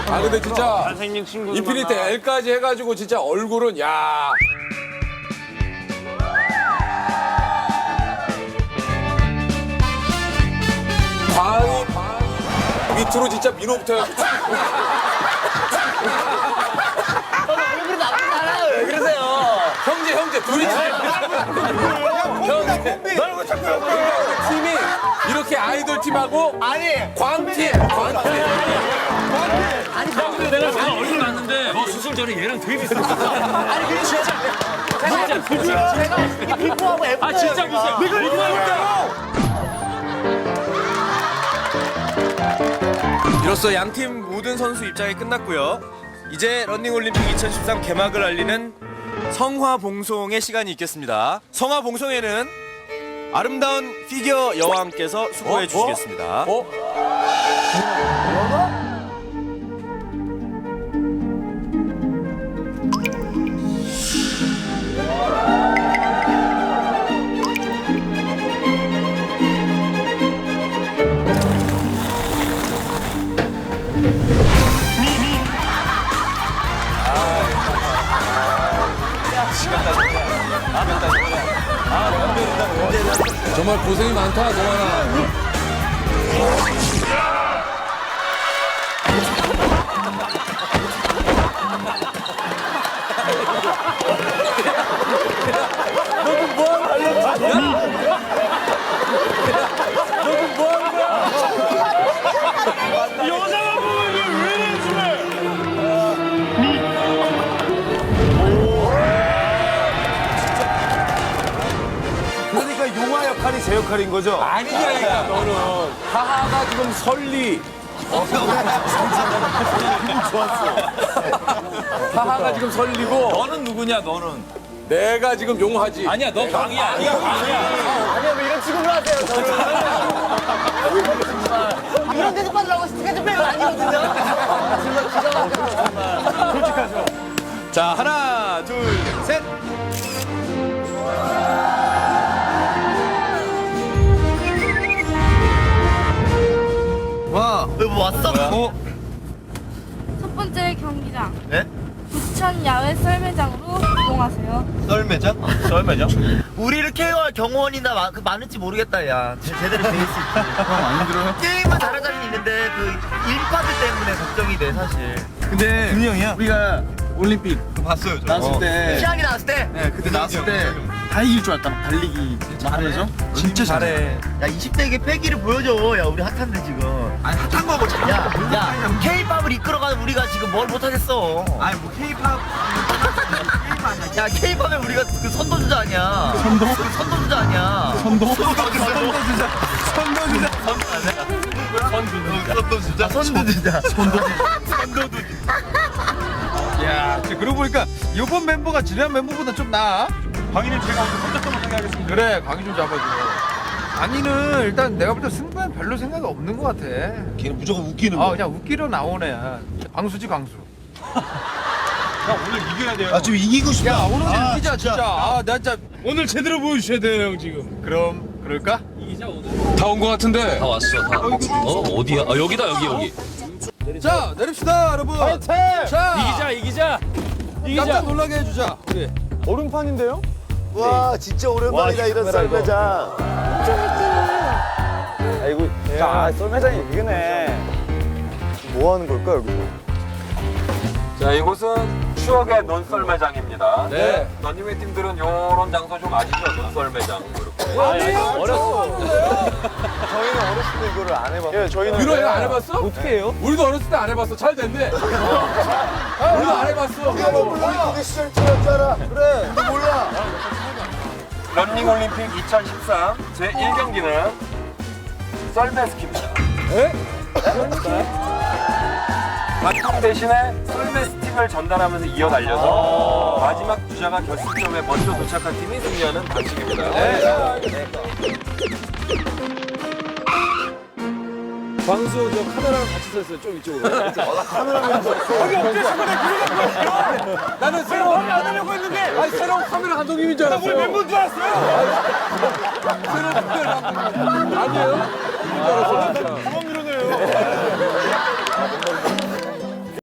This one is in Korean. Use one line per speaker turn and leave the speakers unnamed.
아 근데 진짜
잘생긴 친구.
인피니트 L까지 해가지고 진짜 얼굴은 야. 광희 밑으로 진짜 민호부터 해가지고.
얼굴이 나쁘지 않아요. 왜 그러세요?
형제 둘이 형제 팀이 이렇게 아이돌 팀하고
아니.
광팀
내가 얼굴 봤는데 너 수술 전에 얘랑 되게 비슷해.
아니 근데 진짜 제가 이 피부하고 F.
아 진짜 비슷해. 내가 이거
이로써 양팀 모든 선수 입장이 끝났고요. 이제 런닝올림픽 2013 개막을 알리는 성화봉송의 시간이 있겠습니다. 성화봉송에는 아름다운 피겨 여왕께서 수고해 주시겠습니다.
정말 고생이 많다 동환아.
여자가 보면 이게 왜 이래
그러니까 용화 역할이 제 역할인 거죠?
아니냐니까 너는 하하가 지금 설리. 하하가 지금 설리고
너는 누구냐 너는?
내가 지금 용하지.
아니야 너 광이야. 네가 광이야.
아니야 왜 이런 취급을 하세요 저를. 이런 데서 빠지라고 스케줄 빼고 아니거든요. 정말 기가 막혀요.
솔직하죠?
자, 하나, 둘, 셋.
와,
뭐 왔어?
첫 번째 경기장.
네?
부천 야외 썰매장으로 이동하세요.
썰매장?
썰매죠?
우리를 케어할 경호원이나 많을지 모르겠다 야. 제대로 돼 있을지. 안 힘들어요? 게임은 잘하자는 있는데 그 인파들 때문에 걱정이 돼 사실.
근데 준이 형이야? 우리가 올림픽 봤어요, 저. 나왔을 때.
시작이 나왔을 때.
네, 그때 나왔을 때 다 이길 줄 알았다. 막 달리기 잘해서. 진짜 잘해.
야 20대에게 패기를 보여줘. 야 우리 핫한데 지금.
아니, 핫한 거고 잘.
야 K-팝을 이끌어가는 우리가 지금 뭘 못하겠어.
아니, 뭐 K-팝.
야 K-팝에 우리가 그 선도주자 아니야. 선도주자 아니야.
선도주자. 야, 그러고 보니까 이번 멤버가 지난 멤버보다 좀 나아.
광희는 제가 오늘 혼자서만 생각하겠습니다.
그래, 광희 좀 잡아줘. 광희는 일단 내가 볼 때 승부엔 별로 생각이 없는 것 같아.
걔는 무조건 웃기는
아, 그냥 웃기러 나온 애야. 광수지, 광수.
형 오늘 이겨야 돼요.
아, 좀 이기고 싶다.
야, 오늘 이기자, 진짜. 아, 나 진짜.
오늘 제대로 보여주셔야 돼요 형 지금.
그럼, 그럴까?
다 온 것 같은데.
다 왔어 다. 어디야? 아 여기다 여기.
자, 내립시다, 여러분. 자,
이기자.
깜짝 놀라게 해주자. 우리.
와, 진짜 오랜만이다, 이런 썰매장.
아이고, 야, 썰매장이 이기네. 뭐 하는 걸까, 여기서?
자 이곳은 추억의 논썰매장입니다.
네.
런닝웨이 팀들은 요런 장소 좀 아시죠? 논썰매장 이렇게.
어렸어. 저희는 어렸을 때 이거를 안 해봤어요. 예, 저희는.
유로 이거 안 해봤어?
어떻게 해요?
우리도 어렸을 때 안 해봤어. 잘 됐네. 우리도 안 해봤어.
올림픽의 시절이었잖아. 그래, 너 몰라.
런닝올림픽 2013 제1경기는 썰매스키입니다. 바통 대신에 썰매 스틱을 전달하면서 이어 달려서 마지막 주자가 결승점에 먼저 도착한 팀이 승리하는 방식입니다. 광수 저 카메라랑 같이 섰어요. 좀 이쪽으로. 나는 새로운 안 하려고 했는데. 아니 새로운 카메라 감독님인 줄 알았어요. 우리 멤버인 줄 알았어요. 새로운 카메라 감독님 아니에요? 이인 줄 알았어요. 진짜.